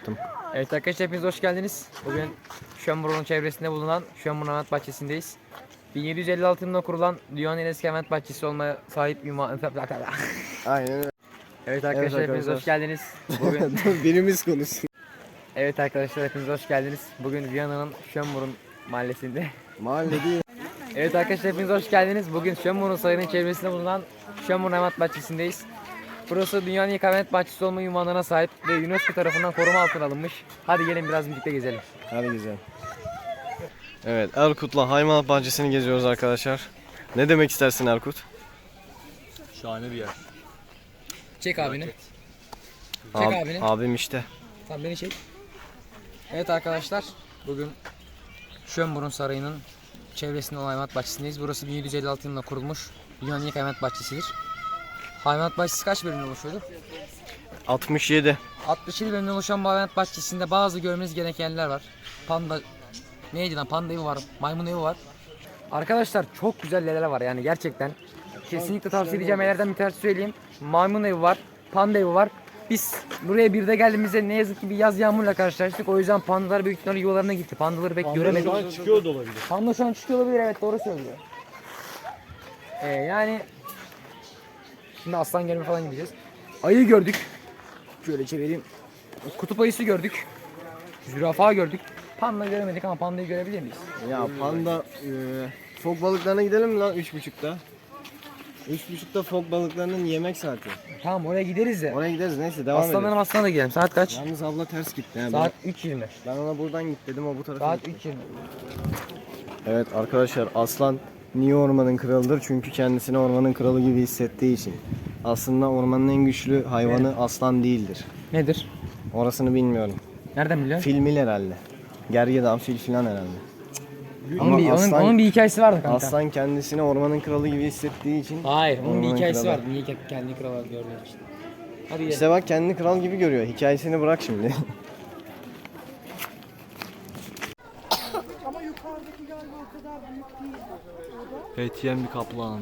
yaptım. Evet arkadaşlar hepiniz hoş geldiniz. Bugün Schönbrunn çevresinde bulunan Schönbrunn Hayvanat Bahçesi'ndeyiz. 1756 yılında kurulan dünyanın en eski hayvanat bahçesi olmaya sahip ünvan... Aynen öyle. Evet arkadaşlar hepiniz hoş geldiniz. Bugün... Birimiz konuşsun. Evet arkadaşlar hepiniz hoş geldiniz. Bugün Viyana'nın Schönbrunn mahallesinde. Mahalle değil. Evet arkadaşlar hepiniz hoş geldiniz. Bugün Schönbrunn Sarayı'nın çevresinde bulunan Schönbrunn Hayvanat Bahçesi'ndeyiz. Burası dünyanın ilk hayvanat bahçesi olma ünvanına sahip ve UNESCO tarafından koruma altına alınmış. Hadi gelin biraz birlikte gezelim. Hadi güzel. Evet, Erkut'la hayvanat bahçesini geziyoruz arkadaşlar. Ne demek istersin Erkut? Şahane bir yer. Çek abini. Çek abini. Abim işte. Tamam beni çek. Evet arkadaşlar bugün Schönbrunn Sarayı'nın çevresinde olan hayvanat bahçesindeyiz. Burası 1756 yılında kurulmuş dünyanın ilk hayvanat bahçesidir. Hayvanat bahçesi kaç bölümden oluşuyordu? 67. 67 bölümden oluşan bu hayvanat bahçesinde bazı görmeniz gereken yerler var. Panda, neydi lan, panda evi var, maymun evi var. Arkadaşlar çok güzel yerler var yani gerçekten. Kesinlikle tavsiye edeceğim yerlerden bir tanesi söyleyeyim. Maymun evi var, panda evi var. Biz buraya bir de geldiğimizde ne yazık ki bir yaz yağmurla karşılaştık. O yüzden pandalar büyük ihtimalle yuvalarına gitti. Pandaları pek göremedik. Şu an çıkıyor da olabilir. Panda şu an çıkıyor olabilir, evet doğru söylüyor. Yani şimdi aslan görme falan gideceğiz. Ayı gördük. Şöyle çevireyim. Kutup ayısı gördük. Zürafa gördük. Panda göremedik ama pandayı görebilir miyiz? Ya panda, fok balıklarına gidelim mi lan 3.30'da? 3.30'da fok balıklarının yemek saati. Tamam oraya gideriz de. Oraya gideriz, neyse devam edelim. Aslanlara da gidelim. Saat kaç? Yalnız abla ters gitti. He. Saat 3.20. Ben ona buradan git dedim, o bu tarafa Saat gitti. 3.20. Evet arkadaşlar, aslan niye ormanın kralıdır? Çünkü kendisini ormanın kralı gibi hissettiği için. Aslında ormanın en güçlü hayvanı aslan değildir. Nedir? Orasını bilmiyorum. Nereden biliyorsun? Filmil herhalde. Gergedan fil filan herhalde. Onun bir hikayesi vardı kanka. Aslan kendisini ormanın kralı gibi hissettiği için. Hayır, onun bir ormanın hikayesi kralı. vardı. Niye kendi kral olarak gördüğün için. Hadi gel. İşte bak, kendini kral gibi görüyor. Hikayesini bırak şimdi. Ama yukarıdaki galiba o kadar büyük değil. Evet, yiyen bir kaplan.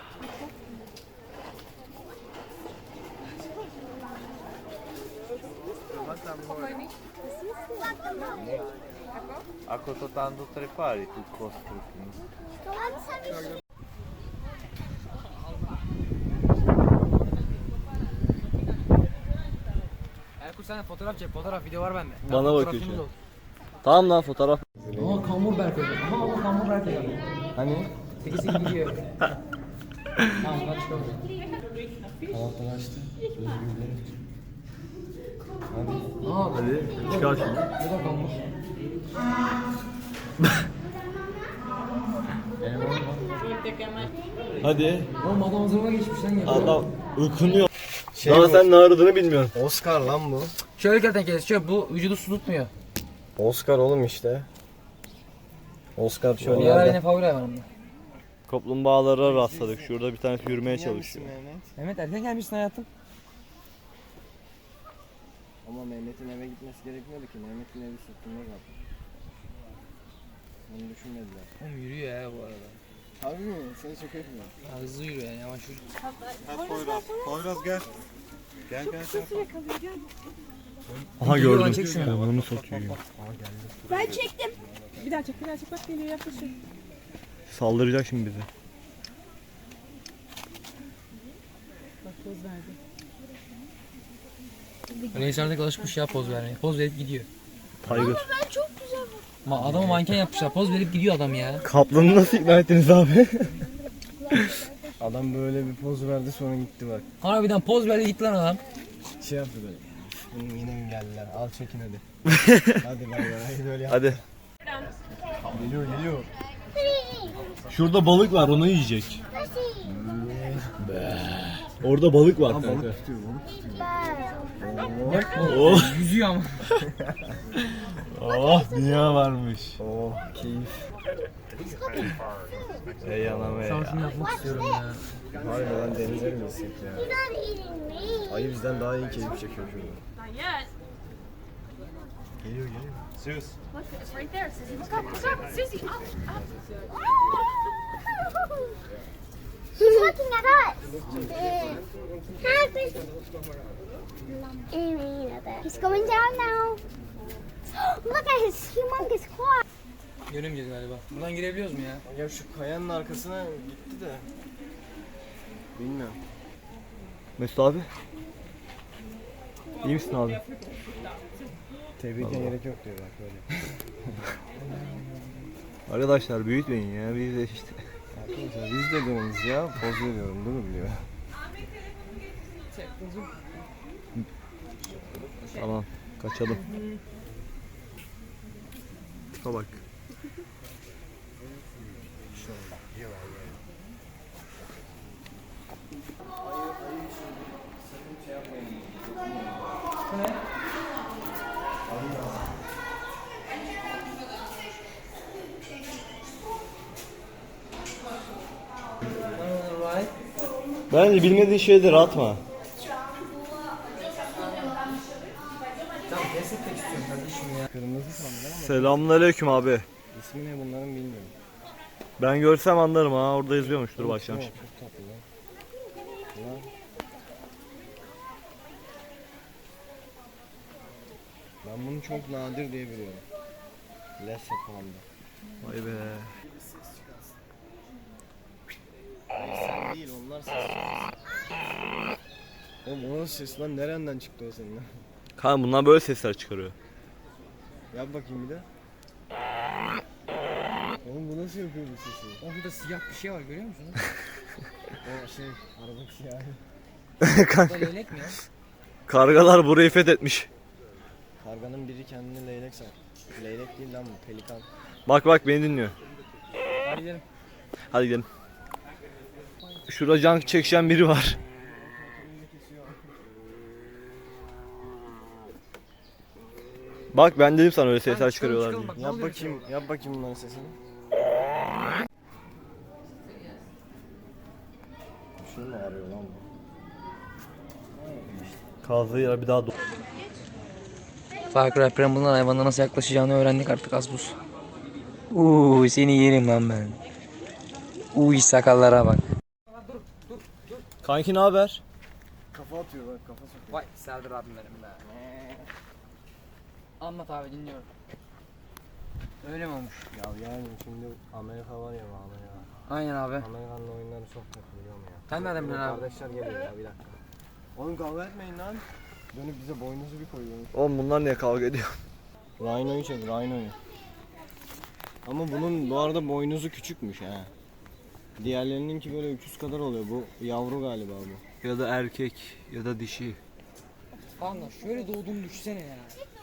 Ako to tam do trepali, tu kostru. Erkut sen de fotoğraf çek, video var bende. Bana bakıyor şu an. Tamam lan, fotoğraf. Aa kambur berk öyle. Ama kambur berk öyle. Hani? 8'e gidiyor. Tamam hadi çıkalım. Kanatları açtı. Hadi çıkar şunu. Bu da kambur. Hadi. Oğlum adam hazırlığa geçmiş lan ya. Adam ıkınıyor. Şey Daha bu, sen ne aradığını bilmiyorsun. Oscar lan bu. Şöyle kertenkele, şöyle bu vücudu su tutmuyor. Oscar oğlum işte. Oscar şöyle Diğer yerde. yine favori hayvanım. Kaplumbağalara rastladık. Şurada bir tanesi yürümeye çalışıyor. Mehmet erken gelmişsin hayatım. Ama Mehmet'in eve gitmesi gerekmiyordu ki. Mehmet'in evi sırtında kaldı. Onu düşünmediler. Oğlum yürüyor ya bu arada. Harbi mi? Seni çok etmiyor. Ya hızlı yürüyor yani, yavaş yürüyor. Poyraz gel. Gel gel gel. Aha Geliyor lan, gördüm. çek şunu. Onu satıyor. Ben çektim. Bir daha çek, bir daha çek. Bak geliyor, yaklaşıyor. Saldıracak şimdi bize. Bak poz verdi. Reisler'de alışmış ya poz vermeye. Poz verip gidiyor. Tiger. Adamı manken yapmışlar. Poz verip gidiyor adam ya. Kaplanı nasıl ikna ettiniz abi? Adam böyle bir poz verdi, sonra gitti bak. Harbiden poz verdi gitti lan adam. Şey yaptı böyle. Bunun yine mi geldiler? Al çekin hadi. Hadi bay bay. Hadi böyle yap. Hadi. Geliyor. Şurada balık var, onu yiyecek. Orada balık var kanka. Balık tutuyor. Oh, Yüzüyor ama. oh, dünya varmış. Oh keyif. Ey anam ey. Şunu yapmak istiyorum ya. Harbiden denize mi gitsek ya? Ayı bizden daha iyi keyif çekiyor şurada. Geliyor. Zeus. Look, it's right there. Susie, look up, Susie, up. He's looking at us. He's going down now. Look at his humongous claw. Göremeyeceğiz galiba. Buradan girebiliyoruz mu ya? Ya şu kayanın arkasına gitti de. Bilmiyorum. Mesut abi. İyi misin abi? Tebrike gerek yok diyor bak böyle. Arkadaşlar büyütmeyin ya, biz de işte. Arkadaşlar biz de dönüyoruz ya. Poz veriyorum durun diyor. Tamam, kaçalım. Tipe bak. Bence bilmediğin şeyleri atma. Kırmızı sandım ama Selamünaleyküm abi. ismi ne bunların bilmiyorum. Ben görsem anlarım ha, orada izliyormuş. Dur bakacağım Çok şimdi. tatlı lan. Lan. Ben bunu çok nadir diye biliyorum. Lesse panda. Vay be. Sen değil onlar ses. Oğlum o nasıl ses lan? Nereden çıktı o senin? Kanka bunlar böyle sesler çıkarıyor. Yap bakayım bir de. Oğlum bu nasıl yapıyor bu sesi? Orada siyah bir şey var görüyor musunuz? O şey, arabak siyahı. Burada leylek mi ya? Kargalar burayı fethetmiş. Karganın biri kendini leylek sanır. Leylek değil lan bu, pelikan. Bak bak beni dinliyor. Hadi gidelim. Hadi gidelim. Şurada can çekişen biri var. Bak ben dedim sana öyle sesler çıkarıyorlar diye. Çıkalım bak, ne Yap oluyor bakayım, yap bakayım bunların sesini. Şunu mu arıyor lan bu? Kazdığı yer bir daha Far Cry Primal'ın hayvanına nasıl yaklaşacağını öğrendik artık az buz. Seni yerim lan ben. Sakallara bak. Kanki ne haber? Kafa atıyor bak, kafa sokuyor. Vay Serdar abim benim be. Anlat abi dinliyorum. Öyle mi olmuş? Ya yani şimdi Amerika var ya Amerika. Aynen abi. Amerikan'ın oyunları çok kötü biliyor musun ya? Sen nereden Benim biliyorsun abi? Kardeşler geliyor ya bir dakika. Oğlum kavga etmeyin lan. Dönüp bize boynuzu bir koyuyor. Oğlum bunlar niye kavga ediyor? Rhino'yu çek, Rhino'yu. Ama bunun bu arada boynuzu küçükmüş ha. Diğerlerininki böyle 300 kadar oluyor. Bu yavru galiba bu. Ya da erkek ya da dişi. Kanka şöyle doğduğunu düşünsene ya.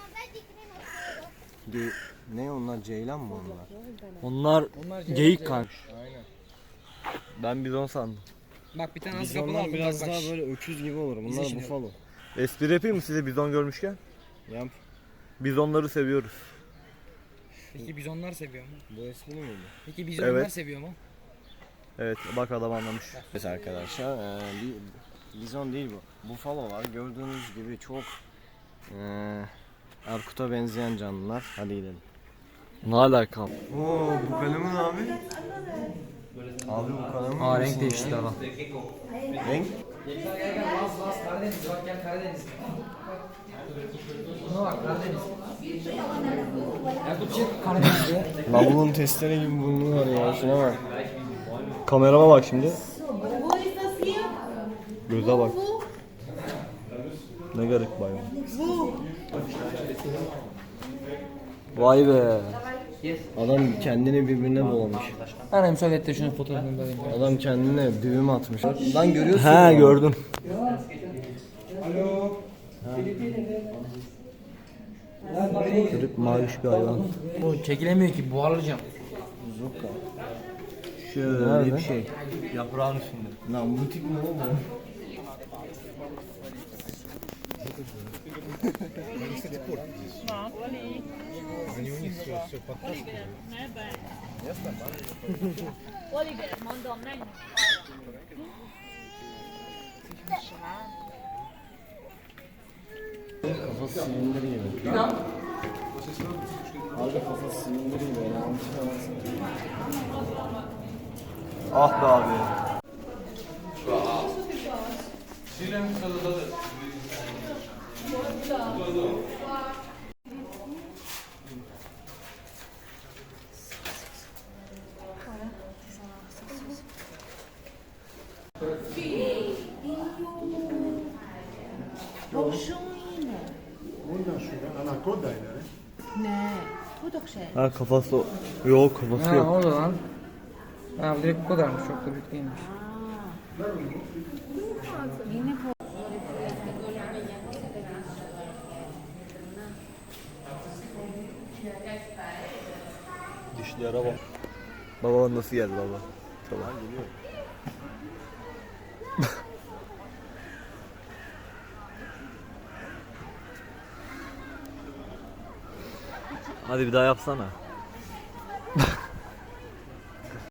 Ne onlar, ceylan mı onlar? Onlar Onlar geyik kanka. Aynen. Ben bizon sandım. Bak bir tane az Biz kapılı onlar var. biraz Bak, daha böyle öküz gibi olur. Bunlar şimdi. bufalo. Espri yapayım mı size bizon görmüşken? Yap. Bizonları seviyoruz. Peki bizonlar seviyor mu? Bu espri miydi? Peki bizonlar Evet. seviyor mu? Evet bak adam anlamış. Evet arkadaşlar, bizon değil bu. Bufalo var. Gördüğünüz gibi çok Erkut'a benzeyen canlılar. Hadi gidelim. Ne alaka? Oo, bu kalemin abi. Abi bu kalemin. Aa renk değişti ama. Renk? Gel Laz Karadeniz bak gel Karadeniz. Buna bak Karadeniz. Yakup çık Karadeniz'de. Lavulun testere gibi burnu var ya. Şuna bak. Kamerama bak şimdi. Göze bak. Ne garip bayram. Vay be. Adam kendini birbirine bulamış. Ben hem söyletti şunun fotoğrafını da alayım. Adam kendine düğüm atmış. Lan görüyorsun. He mu? gördüm. Garip maviş bir hayvan. Bu çekilemiyor ki buharlayacağım. Zuka. Şöyle Nerede? bir şey. Yaprağın üstünde. Lan bu tip ne oğlum? Oliver, mondom, menj! Kafası silindir gibi. Abi kafası silindir gibi. Yani. Ah be abi. Ha kafası yok kafası Ha yok. oldu lan. Ha bu direkt bu kadarmış. Çok da büyük değilmiş. Dişlere bak. Baba nasıl geldi baba? Tamam. Hadi bir daha yapsana.